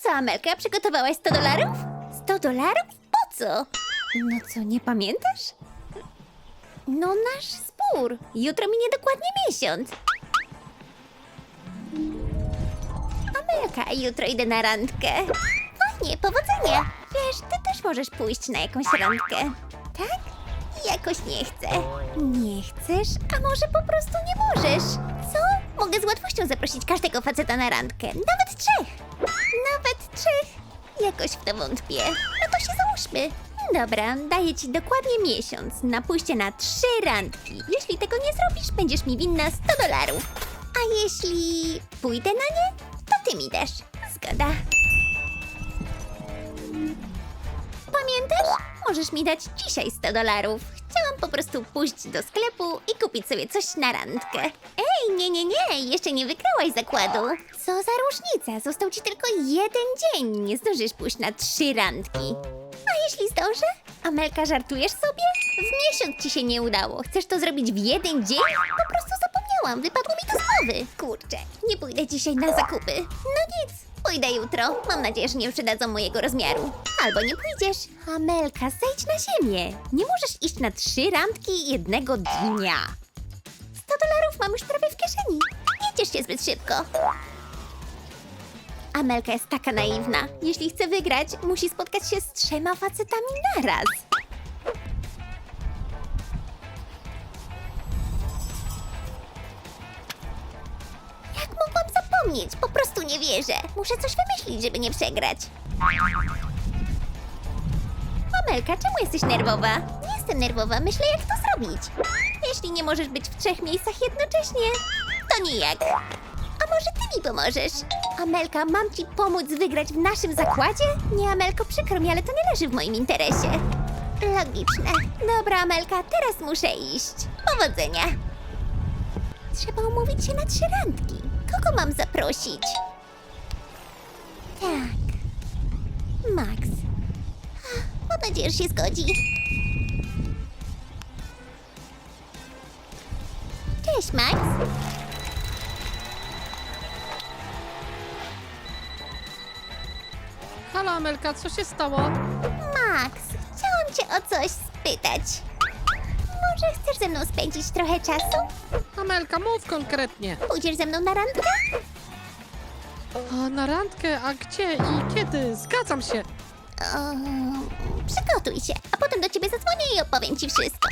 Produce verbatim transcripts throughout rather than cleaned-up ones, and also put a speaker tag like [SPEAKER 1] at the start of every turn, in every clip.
[SPEAKER 1] Co, Amelka, przygotowałaś sto dolarów? sto dolarów? Po co? No co, nie pamiętasz? No nasz spór. Jutro minie dokładnie miesiąc. Amelka, jutro idę na randkę. Fajnie, powodzenia. Wiesz, ty też możesz pójść na jakąś randkę. Tak? Jakoś nie chcę. Nie chcesz? A może po prostu nie możesz? Co? Mogę z łatwością zaprosić każdego faceta na randkę. Nawet trzech. Nawet trzech. Jakoś w to wątpię. No to się załóżmy. Dobra, daję ci dokładnie miesiąc na pójście na trzy randki. Jeśli tego nie zrobisz, będziesz mi winna sto dolarów. A jeśli pójdę na nie, to ty mi dasz. Zgoda. Pamiętasz? Możesz mi dać dzisiaj sto dolarów. Chciałam po prostu pójść do sklepu i kupić sobie coś na randkę. Ej, nie, nie, nie, jeszcze nie wygrałaś zakładu. Co za różnica? Został ci tylko jeden dzień. Nie zdążysz pójść na trzy randki. A jeśli zdążę? Amelka, żartujesz sobie? W miesiąc ci się nie udało. Chcesz to zrobić w jeden dzień? Po prostu zapomniałam, wypadło mi to z głowy. Kurczę, nie pójdę dzisiaj na zakupy. No nic, pójdę jutro. Mam nadzieję, że nie przydadzą mojego rozmiaru. Albo nie pójdziesz. Amelka, zejdź na ziemię. Nie możesz iść na trzy randki jednego dnia. sto dolarów mam już prawie w kieszeni. Nie ciesz się zbyt szybko. Amelka jest taka naiwna. Jeśli chce wygrać, musi spotkać się z trzema facetami naraz. Jak mogłam zapomnieć? Po prostu nie wierzę. Muszę coś wymyślić, żeby nie przegrać. Amelka, czemu jesteś nerwowa? Nie jestem nerwowa, myślę jak to zrobić. Jeśli nie możesz być w trzech miejscach jednocześnie, to nijak. A może ty mi pomożesz? Amelka, mam ci pomóc wygrać w naszym zakładzie? Nie, Amelko, przykro mi, ale to nie leży w moim interesie. Logiczne. Dobra, Amelka, teraz muszę iść. Powodzenia. Trzeba umówić się na trzy randki. Kogo mam zaprosić? Tak. Max. Mam nadzieję, że się zgodzi. Cześć, Max.
[SPEAKER 2] Halo Amelka, co się stało?
[SPEAKER 1] Max, chciałam cię o coś spytać. Może chcesz ze mną spędzić trochę czasu?
[SPEAKER 2] Amelka, mów konkretnie.
[SPEAKER 1] Pójdziesz ze mną na randkę?
[SPEAKER 2] A na randkę? A gdzie i kiedy? Zgadzam się.
[SPEAKER 1] O, przygotuj się, a potem do ciebie zadzwonię i opowiem ci wszystko.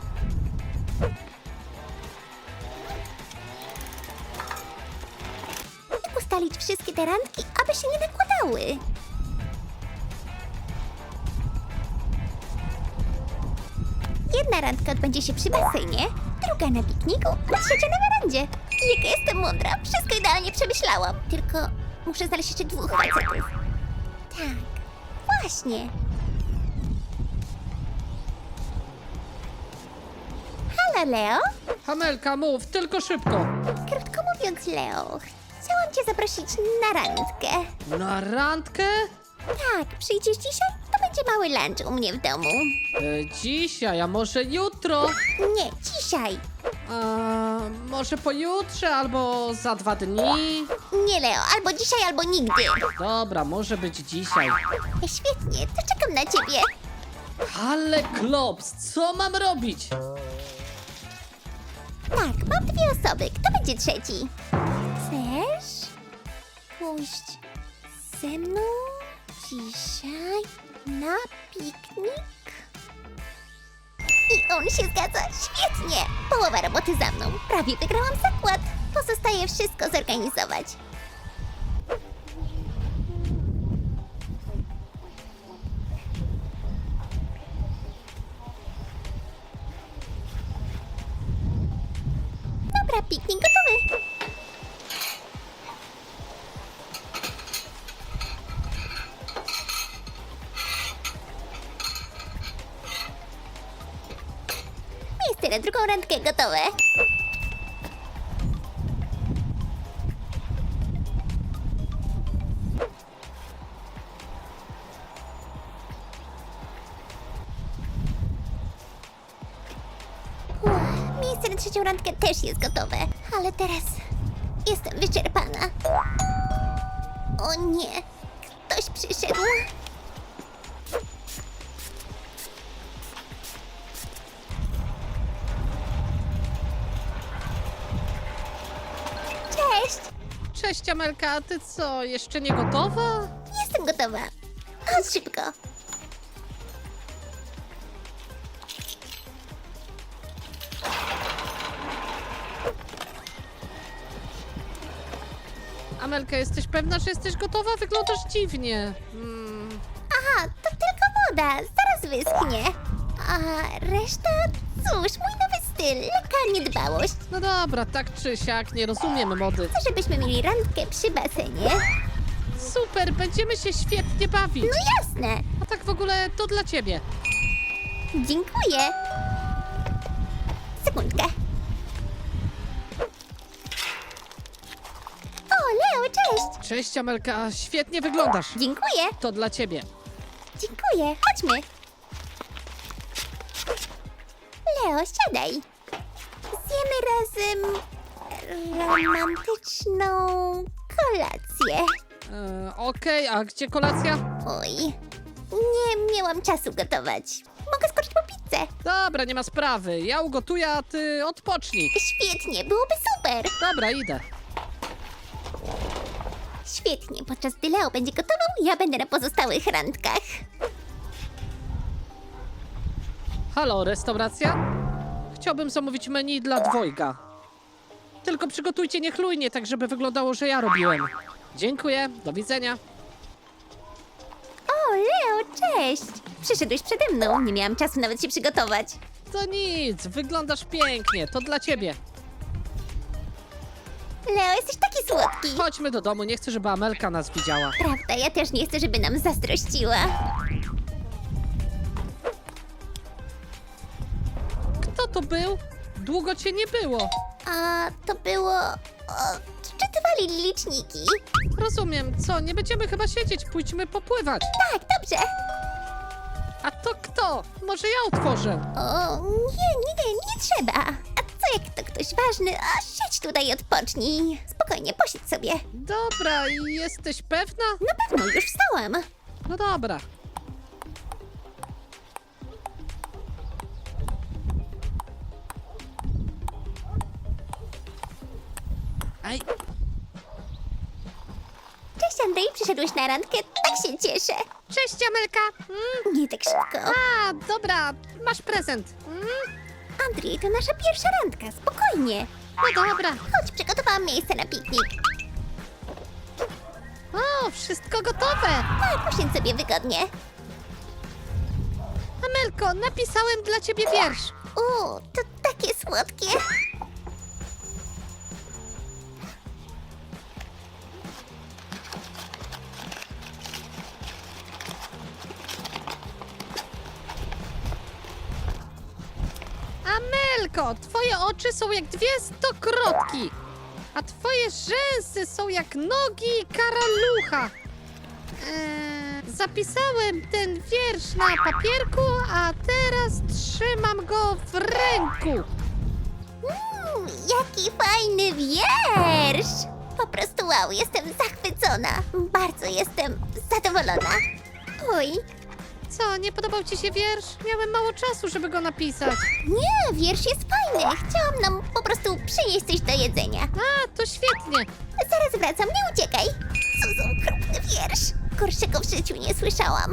[SPEAKER 1] Jak ustalić wszystkie te randki, aby się nie nakładały? Jedna randka odbędzie się przy basenie, druga na pikniku, a trzecia na werandzie. Jaka jestem mądra, wszystko idealnie przemyślałam. Tylko muszę znaleźć jeszcze dwóch facetów. Tak, właśnie. Halo, Leo?
[SPEAKER 2] Amelka, mów, tylko szybko.
[SPEAKER 1] Krótko mówiąc, Leo, chciałam cię zaprosić na randkę.
[SPEAKER 2] Na randkę?
[SPEAKER 1] Tak, przyjdziesz dzisiaj? To będzie mały lunch u mnie w domu.
[SPEAKER 2] E, dzisiaj, a może jutro?
[SPEAKER 1] Nie, dzisiaj.
[SPEAKER 2] A może pojutrze albo za dwa dni?
[SPEAKER 1] Nie, Leo, albo dzisiaj, albo nigdy.
[SPEAKER 2] Dobra, może być dzisiaj.
[SPEAKER 1] Świetnie, to czekam na ciebie.
[SPEAKER 2] Ale klops, co mam robić?
[SPEAKER 1] Tak, mam dwie osoby. Kto będzie trzeci? Chcesz pójść ze mną dzisiaj na piknik? I on się zgadza. Świetnie! Połowa roboty za mną. Prawie wygrałam zakład. Pozostaje wszystko zorganizować. Dobra, piknik gotowy. Miejsce na drugą randkę gotowe. Uff, miejsce na trzecią randkę też jest gotowe. Ale teraz jestem wyczerpana. O nie, kto Ktoś przyszedł. Cześć!
[SPEAKER 2] Cześć Amelka, a ty co, jeszcze nie gotowa?
[SPEAKER 1] Jestem gotowa. Chodź szybko.
[SPEAKER 2] Amelka, jesteś pewna, że jesteś gotowa? Wyglądasz dziwnie. Hmm.
[SPEAKER 1] Aha, to tylko woda. Zaraz wyschnie. A reszta? Cóż, mój nowy styl. Lekka niedbałość.
[SPEAKER 2] No dobra, tak czy siak, nie rozumiem mody.
[SPEAKER 1] Chcę, żebyśmy mieli randkę przy basenie.
[SPEAKER 2] Super, będziemy się świetnie bawić.
[SPEAKER 1] No jasne.
[SPEAKER 2] A tak w ogóle to dla ciebie.
[SPEAKER 1] Dziękuję. Sekundkę. O, Leo, cześć.
[SPEAKER 2] Cześć Amelka, świetnie wyglądasz.
[SPEAKER 1] Dziękuję.
[SPEAKER 2] To dla ciebie.
[SPEAKER 1] Dziękuję. Chodźmy. Leo, siadaj. Zjemy razem romantyczną kolację.
[SPEAKER 2] E, Okej, a gdzie kolacja?
[SPEAKER 1] Oj, nie miałam czasu gotować. Mogę skoczyć po pizzę.
[SPEAKER 2] Dobra, nie ma sprawy. Ja ugotuję, a ty odpocznij.
[SPEAKER 1] Świetnie, byłoby super.
[SPEAKER 2] Dobra, idę.
[SPEAKER 1] Świetnie, podczas gdy Leo będzie gotował, ja będę na pozostałych randkach.
[SPEAKER 2] Halo, restauracja? Chciałbym zamówić menu dla dwojga. Tylko przygotujcie niechlujnie, tak żeby wyglądało, że ja robiłem. Dziękuję, do widzenia.
[SPEAKER 1] O, Leo, cześć. Przyszedłeś przede mną, nie miałam czasu nawet się przygotować.
[SPEAKER 2] To nic, wyglądasz pięknie, to dla ciebie.
[SPEAKER 1] Leo, jesteś taki słodki.
[SPEAKER 2] Chodźmy do domu, nie chcę, żeby Amelka nas widziała.
[SPEAKER 1] Prawda, ja też nie chcę, żeby nam zazdrościła.
[SPEAKER 2] Kto to był? Długo cię nie było.
[SPEAKER 1] A to było... O, czytywali liczniki.
[SPEAKER 2] Rozumiem, co, nie będziemy chyba siedzieć, pójdźmy popływać.
[SPEAKER 1] Tak, dobrze.
[SPEAKER 2] A to kto? Może ja otworzę.
[SPEAKER 1] O, nie, nie, nie, nie trzeba. A co jak to ktoś ważny? A siedź tutaj i odpocznij. Spokojnie, posiedź sobie.
[SPEAKER 2] Dobra, jesteś pewna?
[SPEAKER 1] Na pewno, już wstałam.
[SPEAKER 2] No dobra. Aj,
[SPEAKER 1] Cześć Andrzej, przyszedłeś na randkę? Tak się cieszę.
[SPEAKER 2] cześć Amelka. Mm,
[SPEAKER 1] Nie tak szybko.
[SPEAKER 2] a, dobra, masz prezent. Mm,
[SPEAKER 1] Andrzej, to nasza pierwsza randka, spokojnie.
[SPEAKER 2] no dobra.
[SPEAKER 1] Chodź, przygotowałam miejsce na piknik.
[SPEAKER 2] O, wszystko gotowe.
[SPEAKER 1] Tak, usiądź sobie wygodnie.
[SPEAKER 2] Amelko, napisałem dla ciebie wiersz.
[SPEAKER 1] U, to takie słodkie.
[SPEAKER 2] Amelko, twoje oczy są jak dwie stokrotki, a twoje rzęsy są jak nogi karalucha. Eee, zapisałem ten wiersz na papierku, a teraz trzymam go w ręku.
[SPEAKER 1] Mm, jaki fajny wiersz! Po prostu wow, jestem zachwycona. Bardzo jestem zadowolona. Oj,
[SPEAKER 2] Co, nie podobał ci się wiersz? Miałem mało czasu, żeby go napisać.
[SPEAKER 1] nie, wiersz jest fajny. Chciałam nam po prostu przynieść coś do jedzenia.
[SPEAKER 2] A, to świetnie.
[SPEAKER 1] Zaraz wracam, nie uciekaj. Co za okropny wiersz. Gorszego w życiu nie słyszałam.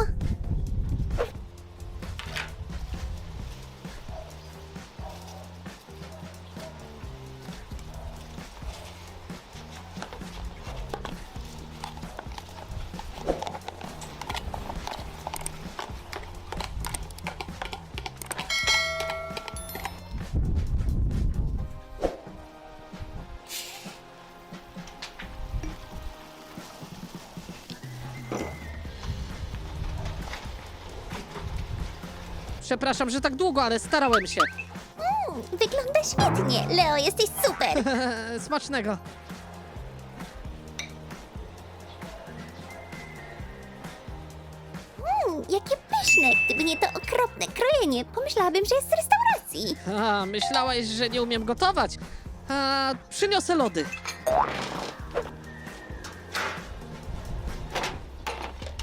[SPEAKER 2] Przepraszam, że tak długo, ale starałem się.
[SPEAKER 1] Mm, wygląda świetnie. Leo, jesteś super.
[SPEAKER 2] Smacznego.
[SPEAKER 1] Mm, jakie pyszne. Gdyby nie to okropne krojenie, pomyślałabym, że jest z restauracji.
[SPEAKER 2] A, myślałaś, że nie umiem gotować. A, przyniosę lody.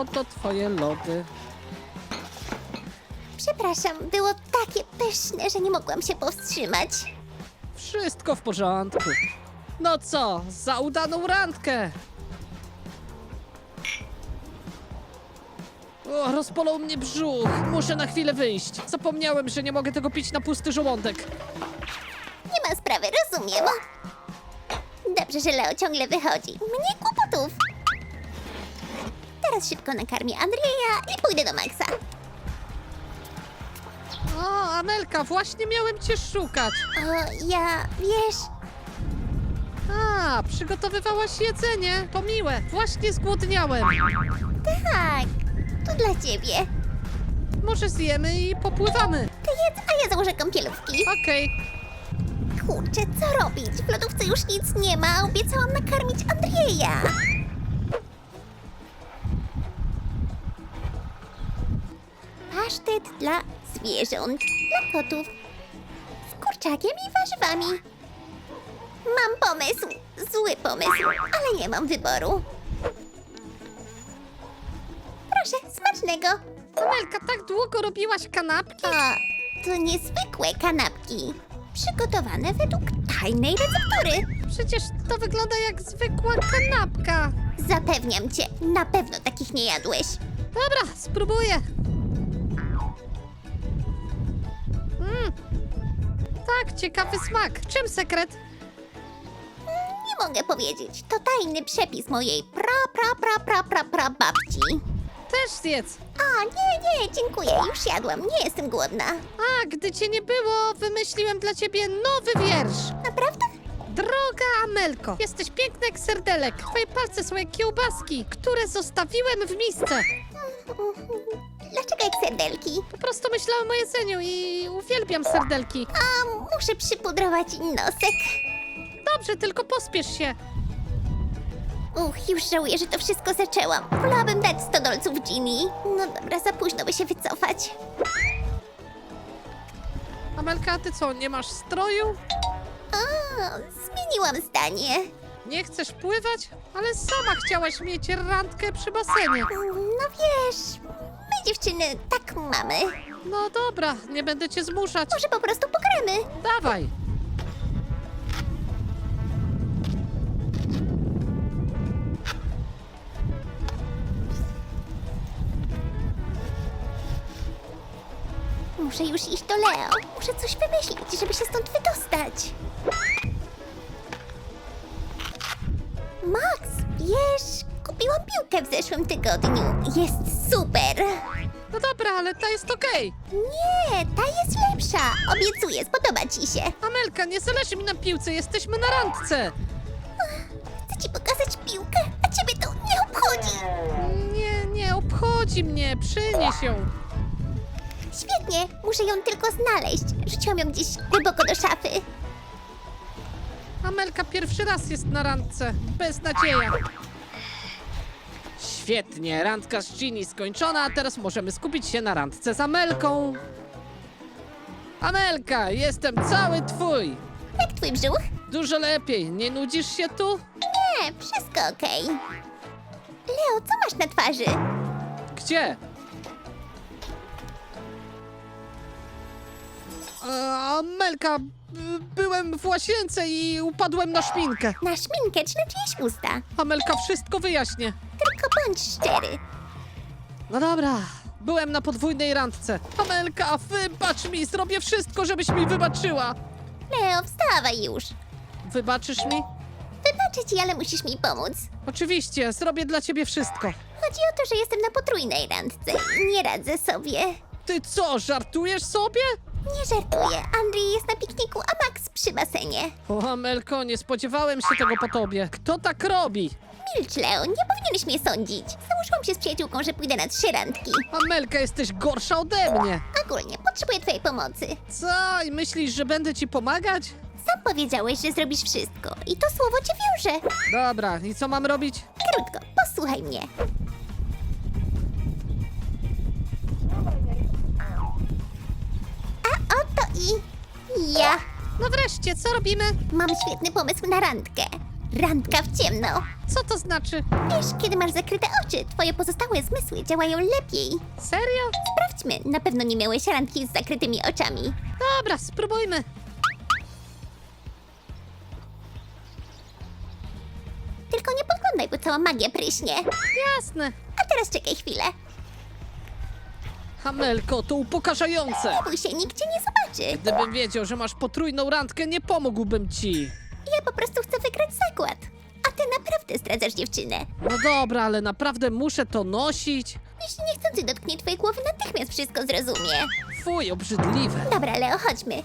[SPEAKER 2] oto twoje lody.
[SPEAKER 1] Przepraszam, było takie pyszne, że nie mogłam się powstrzymać.
[SPEAKER 2] Wszystko w porządku. No co, za udaną randkę! O, rozpolał mnie brzuch. Muszę na chwilę wyjść. Zapomniałem, że nie mogę tego pić na pusty żołądek.
[SPEAKER 1] Nie ma sprawy, rozumiem. Dobrze, że Leo ciągle wychodzi. Mnie kłopotów. Teraz szybko nakarmię Andrzeja i pójdę do Maxa.
[SPEAKER 2] O, Amelka, właśnie miałem cię szukać.
[SPEAKER 1] O, ja, wiesz,
[SPEAKER 2] A, przygotowywałaś jedzenie. To miłe. Właśnie zgłodniałem.
[SPEAKER 1] tak, to dla ciebie.
[SPEAKER 2] Może zjemy i popływamy.
[SPEAKER 1] Ty jedz, a ja założę kąpielówki.
[SPEAKER 2] Okej.
[SPEAKER 1] Kurczę, co robić? W lodówce już nic nie ma. Obiecałam nakarmić Andrzeja. Pasztet dla zwierząt, dla kotów. Z kurczakiem i warzywami. Mam pomysł. Zły pomysł, ale nie mam wyboru. Proszę, smacznego.
[SPEAKER 2] Amelka, tak długo robiłaś kanapki?
[SPEAKER 1] A, to niezwykłe kanapki. Przygotowane według tajnej receptury.
[SPEAKER 2] Przecież to wygląda jak zwykła kanapka.
[SPEAKER 1] Zapewniam cię, na pewno takich nie jadłeś.
[SPEAKER 2] Dobra, spróbuję. Mm. Tak, ciekawy smak. Czym sekret?
[SPEAKER 1] Nie mogę powiedzieć, to tajny przepis mojej pra, pra, pra, pra, pra, pra babci.
[SPEAKER 2] Też zjedz.
[SPEAKER 1] A, nie, nie, dziękuję, już jadłam, nie jestem głodna.
[SPEAKER 2] A, gdy cię nie było, wymyśliłem dla ciebie nowy wiersz.
[SPEAKER 1] Naprawdę?
[SPEAKER 2] Droga Amelko, jesteś piękna jak serdelek. Twoje palce są jak kiełbaski, które zostawiłem w misce.
[SPEAKER 1] Dlaczego jak serdelki?
[SPEAKER 2] Po prostu myślałem o jedzeniu i uwielbiam serdelki.
[SPEAKER 1] A, muszę przypudrować nosek.
[SPEAKER 2] Dobrze, tylko pospiesz się.
[SPEAKER 1] Uch, już żałuję, że to wszystko zaczęłam. Wolałabym dać sto dolców Ginny. No dobra, za późno by się wycofać.
[SPEAKER 2] Amelka, a ty co, nie masz stroju?
[SPEAKER 1] A, zmieniłam zdanie.
[SPEAKER 2] Nie chcesz pływać? Ale sama chciałaś mieć randkę przy basenie.
[SPEAKER 1] No wiesz, my dziewczyny tak mamy.
[SPEAKER 2] No dobra, nie będę cię zmuszać.
[SPEAKER 1] Może po prostu pogramy.
[SPEAKER 2] Dawaj.
[SPEAKER 1] Muszę już iść do Leo. Muszę coś wymyślić, żeby się stąd wydostać. Max, wiesz, kupiłam piłkę w zeszłym tygodniu. Jest super.
[SPEAKER 2] No dobra, ale ta jest okej.
[SPEAKER 1] Nie, ta jest lepsza. Obiecuję, spodoba ci się.
[SPEAKER 2] Amelka, nie zależy mi na piłce, jesteśmy na randce.
[SPEAKER 1] Chcę ci pokazać piłkę, a ciebie to nie obchodzi.
[SPEAKER 2] Nie, nie obchodzi mnie, przynieś ją.
[SPEAKER 1] Świetnie, muszę ją tylko znaleźć. Rzuciłam ją gdzieś głęboko do szafy.
[SPEAKER 2] Amelka pierwszy raz jest na randce. Beznadzieja. Świetnie, randka z Ginny skończona, a teraz możemy skupić się na randce z Amelką. Amelka, jestem cały twój.
[SPEAKER 1] Jak twój brzuch?
[SPEAKER 2] Dużo lepiej, nie nudzisz się tu?
[SPEAKER 1] Nie, wszystko okej. Leo, co masz na twarzy?
[SPEAKER 2] Gdzie? E, Amelka, b- byłem w łazience i upadłem na szminkę.
[SPEAKER 1] Na szminkę czy na czyjeś usta?
[SPEAKER 2] Amelka wszystko wyjaśnię.
[SPEAKER 1] Tylko bądź szczery.
[SPEAKER 2] No dobra, byłem na podwójnej randce. Amelka, wybacz mi, zrobię wszystko, żebyś mi wybaczyła.
[SPEAKER 1] Leo, wstawaj już.
[SPEAKER 2] Wybaczysz mi?
[SPEAKER 1] Wybaczę ci, ale musisz mi pomóc.
[SPEAKER 2] Oczywiście, zrobię dla ciebie wszystko.
[SPEAKER 1] Chodzi o to, że jestem na potrójnej randce i nie radzę sobie.
[SPEAKER 2] Ty co, żartujesz sobie?
[SPEAKER 1] Nie żartuję, Andrzej jest na pikniku, a Max przy basenie.
[SPEAKER 2] O, Amelko, nie spodziewałem się tego po tobie. Kto tak robi?
[SPEAKER 1] Milcz, Leo, nie powinieneś mnie sądzić. Założyłam się z przyjaciółką, że pójdę na trzy randki.
[SPEAKER 2] Amelka, jesteś gorsza ode mnie.
[SPEAKER 1] Ogólnie, potrzebuję twojej pomocy.
[SPEAKER 2] Co, i myślisz, że będę ci pomagać?
[SPEAKER 1] Sam powiedziałeś, że zrobisz wszystko i to słowo cię wiąże.
[SPEAKER 2] Dobra, i co mam robić?
[SPEAKER 1] Krótko, posłuchaj mnie. A oto i ja.
[SPEAKER 2] No wreszcie, co robimy?
[SPEAKER 1] Mam świetny pomysł na randkę. Randka w ciemno.
[SPEAKER 2] Co to znaczy?
[SPEAKER 1] Wiesz, kiedy masz zakryte oczy, twoje pozostałe zmysły działają lepiej.
[SPEAKER 2] Serio?
[SPEAKER 1] Sprawdźmy, na pewno nie miałeś randki z zakrytymi oczami.
[SPEAKER 2] Dobra, spróbujmy.
[SPEAKER 1] Tylko nie podglądaj, bo cała magia pryśnie.
[SPEAKER 2] Jasne.
[SPEAKER 1] A teraz czekaj chwilę.
[SPEAKER 2] Amelko, to upokarzające.
[SPEAKER 1] Bój się, nikt cię nie zobaczy.
[SPEAKER 2] Gdybym wiedział, że masz potrójną randkę, nie pomógłbym ci.
[SPEAKER 1] Ja po prostu chcę wygrać zakład. A ty naprawdę zdradzasz dziewczynę.
[SPEAKER 2] No dobra, ale naprawdę muszę to nosić?
[SPEAKER 1] Jeśli niechcący dotknie twojej głowy, natychmiast wszystko zrozumie.
[SPEAKER 2] Fuj, obrzydliwe.
[SPEAKER 1] Dobra, Leo, chodźmy.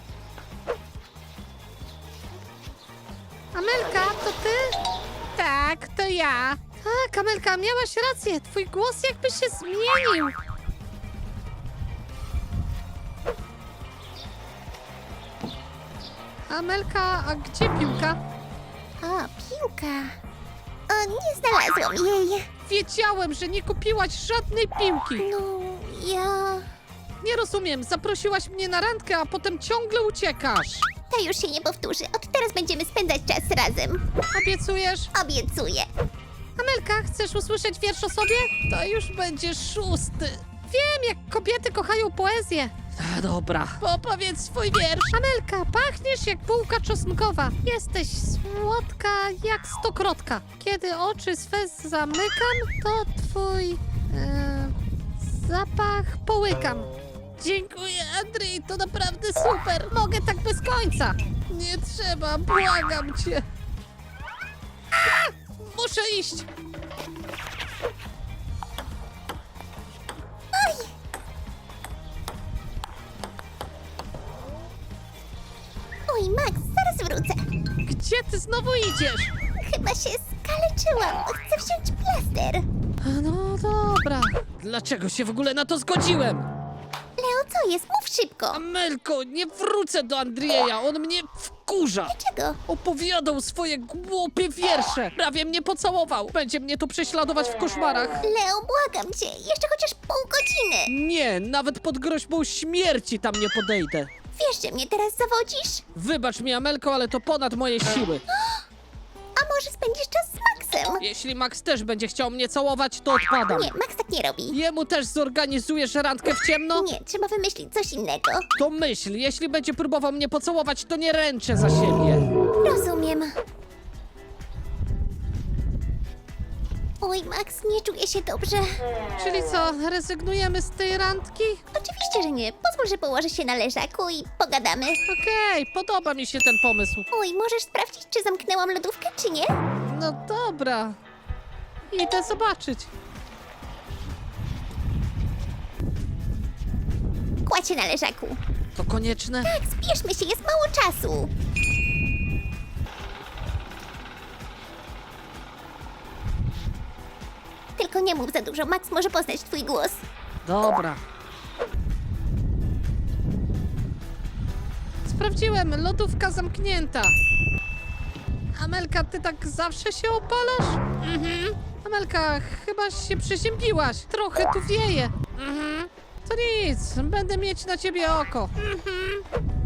[SPEAKER 2] Amelka, to ty? Tak, to ja. Tak, Amelka, miałaś rację. Twój głos jakby się zmienił. Amelka, a gdzie piłka?
[SPEAKER 1] O, piłka. O, nie znalazłam jej.
[SPEAKER 2] Wiedziałem, że nie kupiłaś żadnej piłki.
[SPEAKER 1] No, ja...
[SPEAKER 2] Nie rozumiem, zaprosiłaś mnie na randkę, a potem ciągle uciekasz.
[SPEAKER 1] To już się nie powtórzy. Od teraz będziemy spędzać czas razem.
[SPEAKER 2] Obiecujesz?
[SPEAKER 1] Obiecuję.
[SPEAKER 2] Amelka, chcesz usłyszeć wiersz o sobie? To już będzie szósty. Wiem, jak kobiety kochają poezję. A, dobra, opowiedz swój wiersz. Amelka, pachniesz jak bułka czosnkowa. Jesteś słodka jak stokrotka. Kiedy oczy swe zamykam, to twój e, zapach połykam. Dziękuję, Andrzej, to naprawdę super. Mogę tak bez końca. Nie trzeba, błagam cię. A! Muszę iść.
[SPEAKER 1] Oj, Max, zaraz wrócę.
[SPEAKER 2] Gdzie ty znowu idziesz?
[SPEAKER 1] Chyba się skaleczyłam. Chcę wziąć plaster.
[SPEAKER 2] A no dobra. Dlaczego się w ogóle na to zgodziłem?
[SPEAKER 1] Leo, co jest? Mów szybko.
[SPEAKER 2] Amelko, nie wrócę do Andrieja, on mnie wkurza.
[SPEAKER 1] Czego?
[SPEAKER 2] Opowiadał swoje głupie wiersze. Prawie mnie pocałował. Będzie mnie to prześladować w koszmarach.
[SPEAKER 1] Leo, błagam cię. Jeszcze chociaż pół godziny.
[SPEAKER 2] Nie, nawet pod groźbą śmierci tam nie podejdę.
[SPEAKER 1] Wiesz, że mnie teraz zawodzisz?
[SPEAKER 2] Wybacz mi, Amelko, ale to ponad moje siły.
[SPEAKER 1] A może spędzisz czas z Maxem?
[SPEAKER 2] Jeśli Max też będzie chciał mnie całować, to odpadam.
[SPEAKER 1] Nie, Max tak nie robi.
[SPEAKER 2] Jemu też zorganizujesz randkę w ciemno?
[SPEAKER 1] Nie, trzeba wymyślić coś innego.
[SPEAKER 2] To myśl, jeśli będzie próbował mnie pocałować, to nie ręczę za siebie.
[SPEAKER 1] Rozumiem. Oj, Max, nie czuję się dobrze.
[SPEAKER 2] Czyli co, rezygnujemy z tej randki?
[SPEAKER 1] Oczywiście, że nie. Pozwól, że położę się na leżaku i pogadamy.
[SPEAKER 2] Okej, podoba mi się ten pomysł.
[SPEAKER 1] Oj, możesz sprawdzić, czy zamknęłam lodówkę, czy nie?
[SPEAKER 2] No dobra. Idę zobaczyć.
[SPEAKER 1] Kładź się na leżaku.
[SPEAKER 2] To konieczne?
[SPEAKER 1] Tak, spieszmy się, jest mało czasu. Tylko nie mów za dużo, Max może poznać twój głos.
[SPEAKER 2] Dobra. Sprawdziłem, lodówka zamknięta. Amelka, ty tak zawsze się opalasz? Mhm. Amelka, chyba się przeziębiłaś. Trochę tu wieje. Mhm. To nic, będę mieć na ciebie oko. Mhm.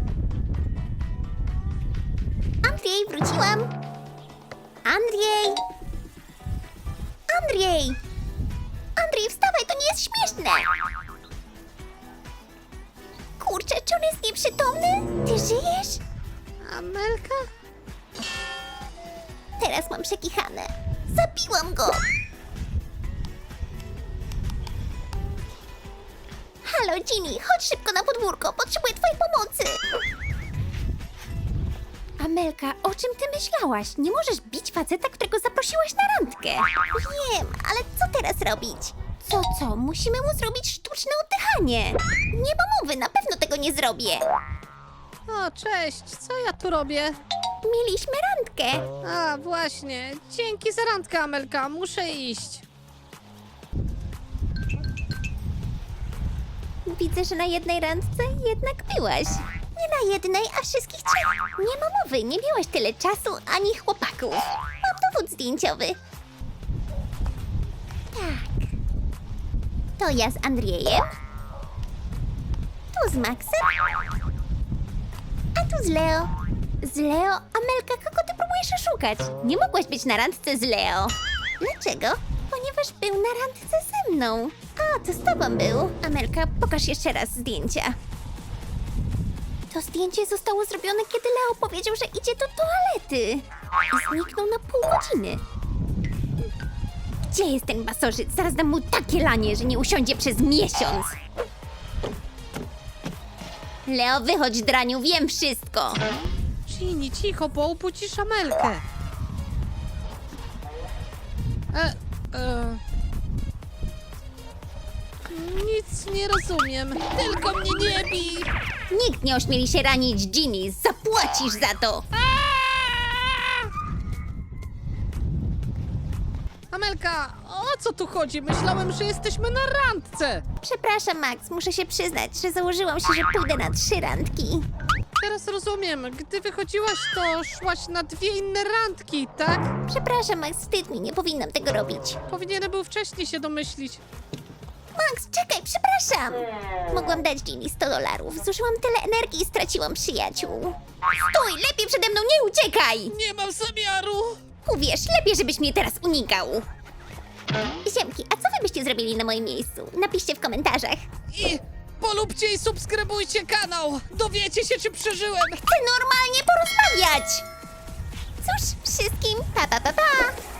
[SPEAKER 1] Andrzej, wróciłam. Andrzej! Andrzej! Andrzej, wstawaj, to nie jest śmieszne! Kurczę, czy on jest nieprzytomny? Ty żyjesz?
[SPEAKER 2] Amelka?
[SPEAKER 1] Teraz mam przekichane. Zabiłam go! Halo, Ginny, chodź szybko na podwórko, potrzebuję twojej pomocy! Amelka, o czym ty myślałaś? Nie możesz bić faceta, którego zaprosiłaś na randkę. Wiem, ale co teraz robić? Co, co? Musimy mu zrobić sztuczne oddychanie. Nie ma mowy, na pewno tego nie zrobię.
[SPEAKER 2] O, cześć, co ja tu robię?
[SPEAKER 1] Mieliśmy randkę.
[SPEAKER 2] A, właśnie. Dzięki za randkę, Amelka. Muszę iść.
[SPEAKER 1] Widzę, że na jednej randce jednak byłaś. Nie na jednej, a wszystkich trzech. Nie ma mowy, nie miałaś tyle czasu ani chłopaków. Mam dowód zdjęciowy. Tak. To ja z Andrzejem. Tu z Maxem. A tu z Leo. Z Leo? Amelka, kogo ty próbujesz oszukać? Nie mogłaś być na randce z Leo. Dlaczego? Ponieważ był na randce ze mną. A, to z tobą był. Amelka, pokaż jeszcze raz zdjęcia. To zdjęcie zostało zrobione, kiedy Leo powiedział, że idzie do toalety. I zniknął na pół godziny. Gdzie jest ten basożyt? Zaraz dam mu takie lanie, że nie usiądzie przez miesiąc. Leo, wychodź, draniu, wiem wszystko.
[SPEAKER 2] Ginny, cicho, bo obudzisz Amelkę. E, e... Nic nie rozumiem. Tylko mnie nie bij.
[SPEAKER 1] Nikt nie ośmieli się ranić Ginny, zapłacisz za to.
[SPEAKER 2] Amelka, o co tu chodzi? Myślałem, że jesteśmy na randce.
[SPEAKER 1] Przepraszam, Max, muszę się przyznać, że założyłam się, że pójdę na trzy randki.
[SPEAKER 2] Teraz rozumiem. Gdy wychodziłaś, to szłaś na dwie inne randki, tak?
[SPEAKER 1] Przepraszam, Max, wstyd mi, nie powinnam tego robić.
[SPEAKER 2] Powinienem był wcześniej się domyślić.
[SPEAKER 1] Max, czekaj, przepraszam. Mogłam dać Ginny sto dolarów. Zużyłam tyle energii i straciłam przyjaciół. Stój, lepiej przede mną nie uciekaj!
[SPEAKER 2] Nie mam zamiaru.
[SPEAKER 1] Uwierz, lepiej, żebyś mnie teraz unikał. Ziemki, a co wy byście zrobili na moim miejscu? Napiszcie w komentarzach.
[SPEAKER 2] I polubcie i subskrybujcie kanał. Dowiecie się, czy przeżyłem.
[SPEAKER 1] Chcę normalnie porozmawiać! Cóż, wszystkim pa pa pa pa!